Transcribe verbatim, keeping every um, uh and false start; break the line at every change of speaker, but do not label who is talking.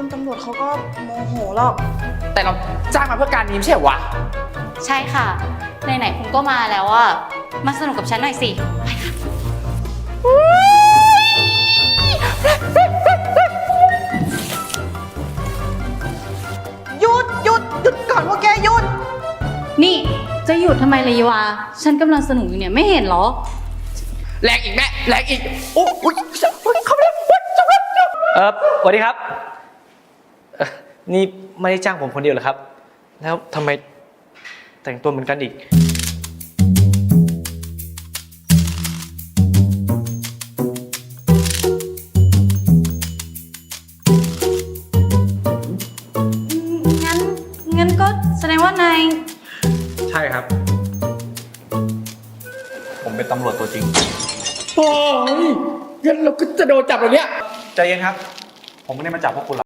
คุณตำรวจเขาก็โมโหหรอก
แต่เราจ้างมาเพื่อการนี้ไม่ใช่เหรอวะ
ใช่ค่ะไหนๆคุณก็มาแล้วอะมาสนุกกับฉันหน่อยสิไปค่ะ
หยุดหยุดหยุดก่อนพวกแกหยุด
นี่จะหยุดทำไมเลยยวาฉันกำลังสนุกอยู่เนี่ยไม่เห็นเหรอ
แรงอีกแม่แรงอีกโอ้ยเข้าไปแล้วจับแล้ว
เออสวัสดีครับเอ่อนี่ไม่ได้จ้างผมคนเดียวเหรอครับ แล้วทำไมแต่งตัวเหมือนกันอีก
งั้นงั้นก็แสดงว่านาย
ใช่ครับ ผมเป็นตำรวจตัวจริง
โอ้ยงั้นเราก็จะโดนจับแล้วเนี่ย
ใจเย็นครับ ผมไม่ได้มาจับพวกคุณหรอก